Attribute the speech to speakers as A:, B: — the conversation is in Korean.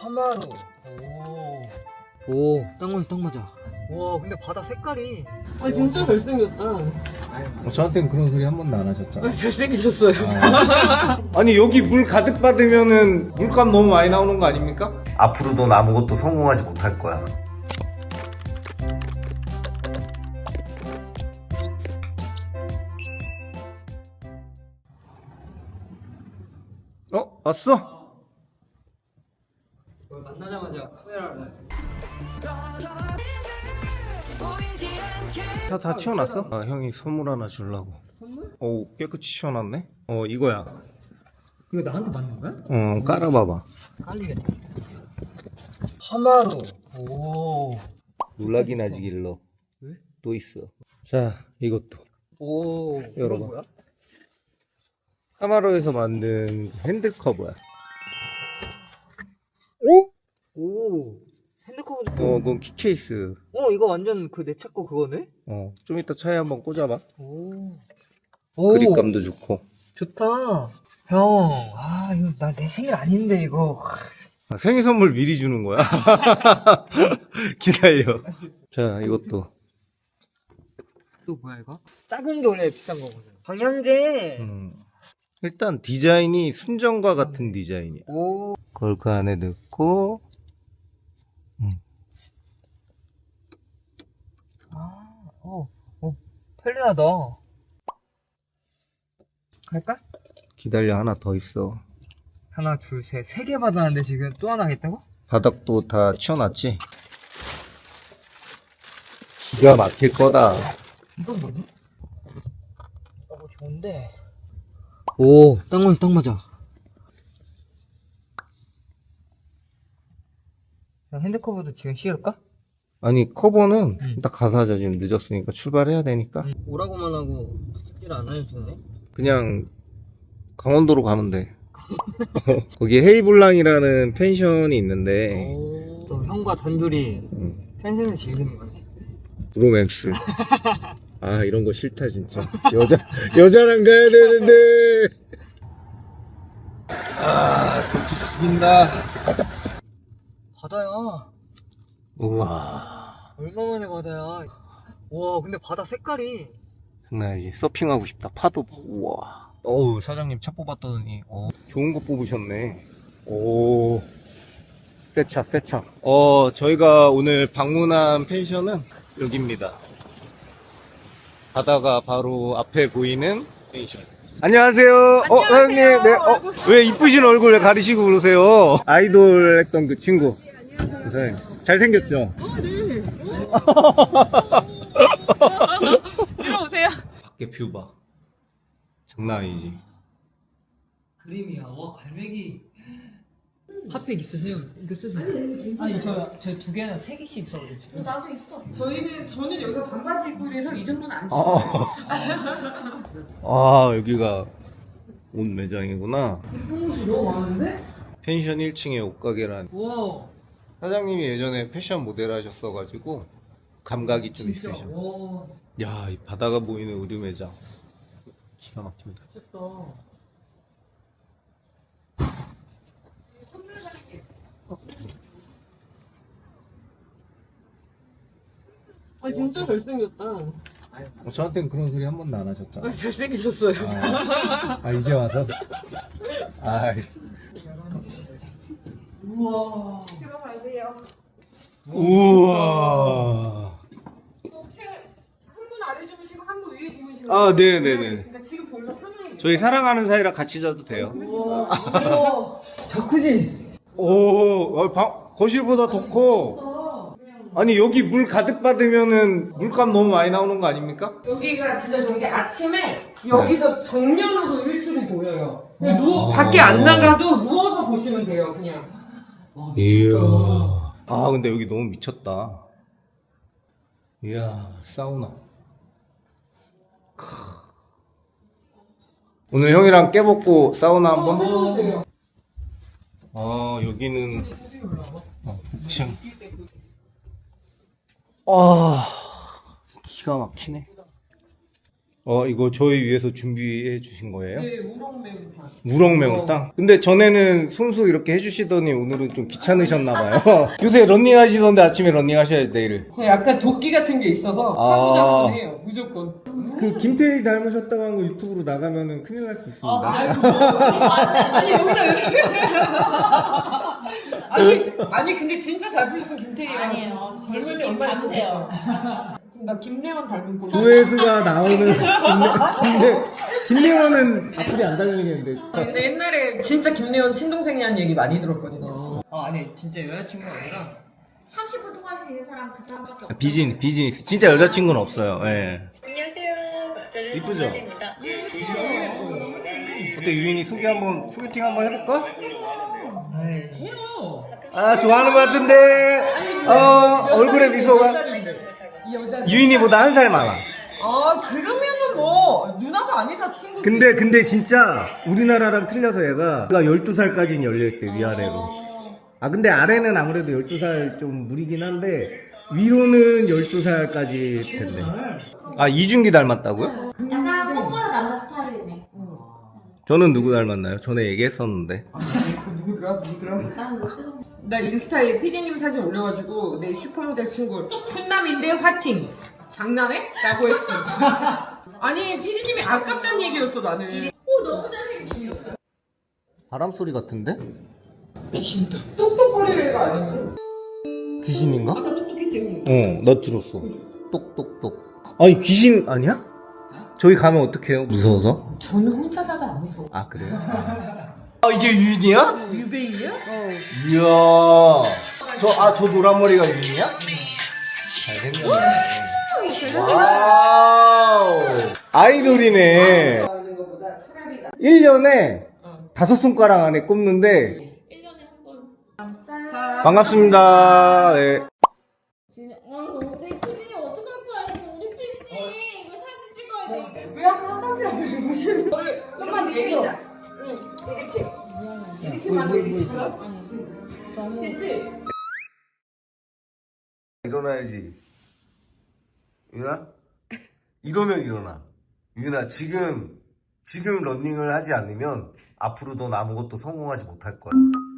A: 하마루. 오, 딱 맞아, 딱 맞아. 와, 근데 바다 색깔이.
B: 아 진짜 잘생겼다.
C: 저한테는 그런 소리 한 번도 안 하셨잖아요.
B: 아 잘생기셨어요.
C: 아니 여기 물 가득 받으면은 물값 너무 많이 나오는 거 아닙니까?
D: 앞으로 넌 아무것도 성공하지 못할 거야.
C: 왔어?
A: 만나자마자 카메라를.
C: 차 다 치워놨어? 아 형이 선물 하나 주려고.
A: 선물?
C: 오 깨끗이 치워놨네? 이거야.
A: 이거 나한테 맞는 거야?
C: 깔아봐봐.
A: 깔리겠다. 하마루. 오.
C: 놀라긴 하지 길러.
A: 왜?
C: 또 있어. 자 이것도
A: 오.
C: 열어봐.
A: 이건 뭐야?
C: 하마로에서 만든 핸들 커버야.
A: 오. 핸드커버도.
C: 그건 키케이스.
A: 이거 완전 그 내 차 거 그거네?
C: 좀 이따 차에 한번 꽂아봐.
A: 오.
C: 그립감도 좋고.
A: 좋다. 형, 이거 나 내 생일 아닌데 이거.
C: 생일 선물 미리 주는 거야? 기다려. 자 이것도.
A: 또 뭐야 이거? 작은 게 원래 비싼 거거든. 방향제.
C: 일단 디자인이 순정과 같은 디자인이야.
A: 오.
C: 그걸 그 안에 넣고.
A: 편리하다. 갈까?
C: 기다려 하나 더 있어.
A: 하나, 둘, 셋. 3개 받았는데 지금 또 하나 하겠다고?
C: 바닥도 다 치워놨지? 기가 막힐 거다.
A: 이건 뭐지? 뭐 좋은데. 오, 딱 맞아, 딱 맞아. 핸드커버도 지금 씌울까?
C: 아니 커버는 딱 가서 하자. 지금 늦었으니까 출발해야 되니까.
A: 오라고만 하고 숙제를 안 알려주네.
C: 그냥 강원도로 가면 돼. 거기 헤이블랑이라는 펜션이 있는데
A: 또 형과 단둘이 펜션을 즐기는 거네.
C: 브로맥스. 아 이런 거 싫다 진짜. 여자랑 가야 되는데. 도둑 죽인다.
A: 바다야.
C: 우와
A: 얼마만에 바다야. 와, 근데 바다 색깔이.
C: 장난 아니지. 서핑하고 싶다. 파도. 우와. 어우 사장님 차 뽑았더니 좋은 거 뽑으셨네. 오 새차. 저희가 오늘 방문한 펜션은 여기입니다. 바다가 바로 앞에 보이는 펜션. 안녕하세요. 사장님. 네. 왜 이쁘신 얼굴 가리시고 그러세요? 아이돌 했던 그 친구. 네. 잘생겼죠?
B: 들어오세요.
C: 밖에 뷰 봐. 장난 아니지.
A: 그림이야. 와, 갈매기. 핫팩 있으세요? 이거 쓰세요. 아니, 저 2개나 3개씩 써가지고.
B: 나도 있어. 저는 여기서 반바지 입고 이래서 이 정도는 안 치워요.
C: 여기가 옷 매장이구나.
A: 이쁜 옷이 너무 많은데?
C: 펜션 1층에 옷가게란.
A: 와,
C: 사장님이 예전에 패션 모델 하셨어가지고 감각이 좀
A: 진짜.
C: 있으셔.
A: 와,
C: 야, 이 바다가 보이는 의류 매장. 기가 막힙니다.
A: 미쳤다.
B: 아 진짜 잘생겼다.
C: 저한테는 그런 소리 한 번도 안 하셨잖아요.
B: 아 잘생기셨어요.
C: 이제 와서?
A: 우와.
B: 들어가세요.
C: 우와.
B: 혹시 한 분 아래 주무시고 한 분 위에 주무시고.
C: 네네네.
B: 근데 지금 보일러 켜놔야겠다.
C: 저희 사랑하는 사이라 같이 자도 돼요.
A: 우와. 자쿠지.
C: 거실보다 더 커. 아니, 여기 물 가득 받으면은 물값 너무 많이 나오는 거 아닙니까?
B: 여기가 진짜 저기 아침에 여기서 정면으로 1층이 보여요. 그냥 밖에 안 나가도 누워서 보시면 돼요, 그냥.
C: 이야. 근데 여기 너무 미쳤다. 이야, 사우나. 오늘 형이랑 깨먹고 사우나 한번? 여기는 층. 기가 막히네. 이거 저희 위해서 준비해 주신 거예요?
B: 네, 우럭 매운탕.
C: 우럭 매운탕? 근데 전에는 손수 이렇게 해주시더니 오늘은 좀 귀찮으셨나봐요. 요새 런닝 하시던데 아침에 런닝 하셔야지, 내일을.
B: 약간 도끼 같은 게 있어서
C: 아.
B: 하루잡고 해요, 무조건.
C: 그 김태희 닮으셨다고 한 거 유튜브로 나가면은 큰일 날 수 있습니다.
B: 아니 여기서 아니 근데 진짜 잘 불렀어 김태희가.
E: 아니에요.
B: 젊은이
E: 님
B: 엄마
E: 닮으세요.
B: 나 김래원 닮은 거.
C: 조회수가 나오는 김래원은 앞으로 안 달리겠는데.
B: 근데 옛날에 진짜 김래원 친동생이라는 얘기 많이 들었거든요. 아니 진짜 여자친구가 아니라
E: 30분 통화할 수 있는 사람 그 사람밖에 없어요.
C: 비즈니스. 진짜 여자친구는 없어요. 예.
F: 안녕하세요. 저는
C: 이쁘죠?
F: 손선입니다.
C: 어때, 유인이 소개팅 한번 해볼까?
B: 해요.
C: 아, 좋아하는 것 같은데. 얼굴에 미소가.
B: 이 여자는.
C: 유인이보다 한 살 많아.
B: 아 그러면은 뭐 누나가 아니다 친구지.
C: 근데 진짜 우리나라랑 틀려서 얘가 12살까지는 열려있대, 위아래로. 근데 아래는 아무래도 12살 좀 무리긴 한데 위로는 12살까지 된대. 이준기 닮았다고요?
E: 약간 꽃보다 남자 스타일이네.
C: 저는 누구 닮았나요? 전에 얘기했었는데.
B: 누구더라?
E: 나는 못 들어.
B: 나 인스타에 피디님 사진 올려가지고 내 슈퍼모델 친구 훈남인데 화팅 장난해? 라고 했어. 아니 피디님이 아깝다는 얘기였어 나는.
E: 오 너무 잘생기시네.
C: 바람 소리 같은데?
B: 똑똑거리는 애가 아니면
C: 귀신인가?
B: 아까 똑똑했지.
C: 나 들었어. 똑똑똑. 아니, 귀신 아니야? 저희 가면 어떡해요? 무서워서?
B: 저는 혼자 자도 안 무서워.
C: 그래요? 이게 유인이야?
B: 유배인이야?
C: 이야. 저 노란 머리가 유인이야? 잘생겼네. 와우. 아이돌이네.
B: 하는 것보다 차라리
C: 1년에 5손가락 안에 꼽는데.
E: 1년에 한 번.
C: 반갑습니다. 네.
E: 우리 피디님 어떡할 거야? 우리 피디님 이거 사진 찍어야 돼.
B: 왜 아까 화장실 앞에 주무시는 거를 좀만 내리자. 이렇게만 내리자. 됐지?
D: 일어나야지. 유나? 이러면 일어나. 유나, 지금 런닝을 하지 않으면 앞으로 넌 아무것도 성공하지 못할 거야.